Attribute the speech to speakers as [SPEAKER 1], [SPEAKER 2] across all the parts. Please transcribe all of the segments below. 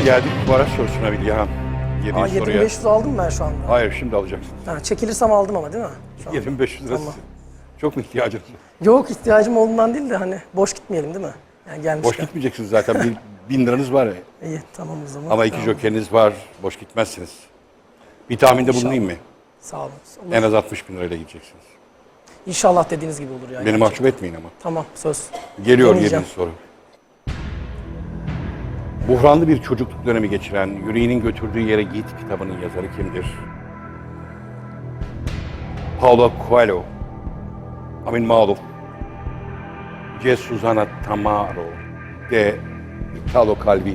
[SPEAKER 1] geldik bu araç sorusuna Bilgehan.
[SPEAKER 2] Aa,
[SPEAKER 1] 7 soruya.
[SPEAKER 2] 7500 aldım ben şu anda.
[SPEAKER 1] Hayır, şimdi alacaksın.
[SPEAKER 2] Ha, çekilirsem aldım ama değil mi? Şu an.
[SPEAKER 1] 7500 lirası.
[SPEAKER 2] Tamam.
[SPEAKER 1] Çok mu ihtiyacınız var?
[SPEAKER 2] Yok, ihtiyacım olduğundan değil de hani boş gitmeyelim değil mi? Yani gelmişken.
[SPEAKER 1] Boş gitmeyeceksiniz zaten. 1000 liranız var.
[SPEAKER 2] İyi, tamam o zaman.
[SPEAKER 1] Ama 2
[SPEAKER 2] Tamam.
[SPEAKER 1] jokeriniz var. Boş gitmezsiniz. Bir tahminde bulunayım mı?
[SPEAKER 2] Sağ olun. Olur.
[SPEAKER 1] En az 60 bin lirayla gideceksiniz.
[SPEAKER 2] İnşallah dediğiniz gibi olur yani.
[SPEAKER 1] Beni mahcup etmeyin ama.
[SPEAKER 2] Tamam, söz.
[SPEAKER 1] Geliyor
[SPEAKER 2] Deneyeceğim.
[SPEAKER 1] 7. soru. Buhranlı bir çocukluk dönemi geçiren Yüreğinin Götürdüğü Yere Git kitabının yazarı kimdir? Paulo Coelho, Amin Maluf, C. Susana Tamaro, D. Italo Calvino.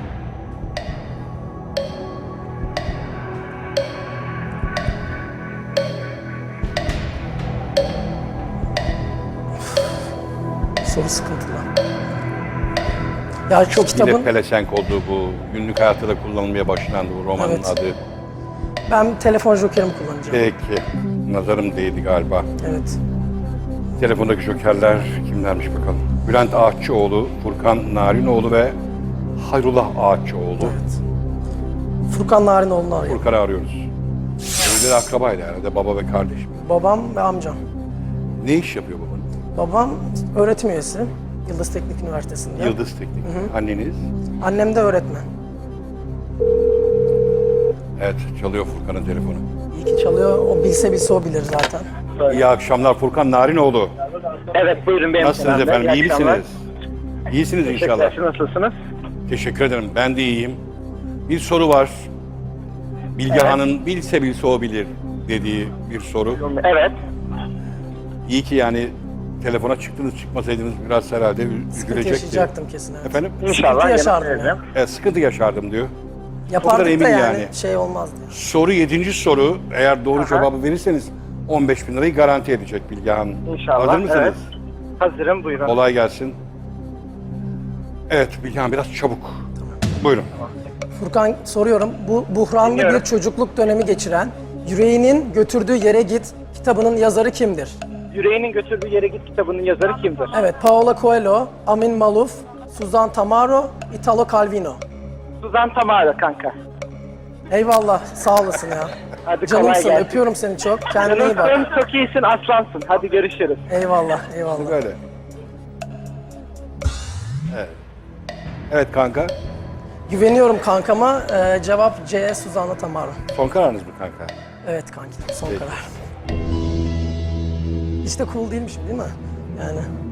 [SPEAKER 2] Soru sıkıntılı. Ya şu
[SPEAKER 1] Yine
[SPEAKER 2] kitabın,
[SPEAKER 1] pelesenk olduğu bu, günlük hayatta da kullanılmaya başlandı bu romanın
[SPEAKER 2] Evet.
[SPEAKER 1] adı.
[SPEAKER 2] ben telefon jokerimi kullanacağım.
[SPEAKER 1] Peki, nazarım değdi galiba.
[SPEAKER 2] Evet.
[SPEAKER 1] Telefondaki jokerler kimlermiş bakalım. Bülent Ağaççıoğlu, Furkan Narinoğlu ve Hayrullah Ağaççıoğlu.
[SPEAKER 2] Evet. Furkan Narinoğlu'nu arıyorum.
[SPEAKER 1] Furkan'ı arıyoruz. Öyle akrabaydı herhalde, baba ve kardeş mi?
[SPEAKER 2] Babam ve amcam.
[SPEAKER 1] Ne iş yapıyor babanız?
[SPEAKER 2] Babam öğretim üyesi. Yıldız Teknik Üniversitesi'nde.
[SPEAKER 1] Yıldız Teknik. Anneniz?
[SPEAKER 2] Annem de öğretmen.
[SPEAKER 1] Evet, çalıyor Furkan'ın telefonu.
[SPEAKER 2] İyi ki çalıyor. O bilse o bilir zaten.
[SPEAKER 1] İyi akşamlar Furkan Narinoğlu.
[SPEAKER 3] Evet, buyurun benim
[SPEAKER 1] Nasılsınız
[SPEAKER 3] Kenan Bey.
[SPEAKER 1] efendim, iyi
[SPEAKER 3] akşamlar.
[SPEAKER 1] misiniz? İyisiniz inşallah.
[SPEAKER 3] Teşekkürler, siz nasılsınız?
[SPEAKER 1] Teşekkür ederim, ben de iyiyim. Bir soru var. Bilgehan'ın bilse o bilir dediği bir soru.
[SPEAKER 3] Evet.
[SPEAKER 1] İyi ki yani telefona çıktınız, çıkmasaydınız biraz herhalde
[SPEAKER 2] Sıkıntı
[SPEAKER 1] üzülecekti.
[SPEAKER 2] yaşayacaktım kesin. Evet.
[SPEAKER 1] Efendim?
[SPEAKER 3] İnşallah
[SPEAKER 2] yaşardım
[SPEAKER 3] yanıt
[SPEAKER 2] ya.
[SPEAKER 3] vereceğim.
[SPEAKER 1] Sıkıntı yaşardım diyor.
[SPEAKER 2] Yapardık
[SPEAKER 1] emin
[SPEAKER 2] da yani,
[SPEAKER 1] yani.
[SPEAKER 2] şey olmazdı.
[SPEAKER 1] Soru 7. soru. Eğer doğru cevabı verirseniz 15 bin lirayı garanti edecek Bilgehan.
[SPEAKER 3] İnşallah.
[SPEAKER 1] Hazır mısınız?
[SPEAKER 3] Evet. Hazırım, buyurun.
[SPEAKER 1] Kolay gelsin. Evet Bilgehan biraz çabuk. Buyurun.
[SPEAKER 2] Furkan soruyorum. Bu buhranlı
[SPEAKER 3] Dinliyorum.
[SPEAKER 2] bir çocukluk dönemi geçiren Yüreğinin Götürdüğü Yere Git kitabının yazarı kimdir?
[SPEAKER 3] Yüreğinin Götürdüğü Yere Git kitabının yazarı kimdir?
[SPEAKER 2] Evet, Paulo Coelho, Amin Maluf, Suzan Tamaro, Italo Calvino.
[SPEAKER 3] Suzan Tamara kanka.
[SPEAKER 2] Eyvallah, sağ olasın ya.
[SPEAKER 3] Hadi kolay
[SPEAKER 2] Canımsın,
[SPEAKER 3] gelsin.
[SPEAKER 2] öpüyorum seni çok. Kendine iyi bak.
[SPEAKER 3] Canımsın, çok iyisin, aslansın. Hadi görüşürüz.
[SPEAKER 2] Eyvallah, eyvallah.
[SPEAKER 1] Böyle. Evet. Evet kanka.
[SPEAKER 2] Güveniyorum kankama. Cevap C, Suzan'la Tamaro.
[SPEAKER 1] Son kararınız mı kanka?
[SPEAKER 2] Evet kanki, son
[SPEAKER 1] Peki.
[SPEAKER 2] karar. Hiç de cool değilmişim değil mi? Yani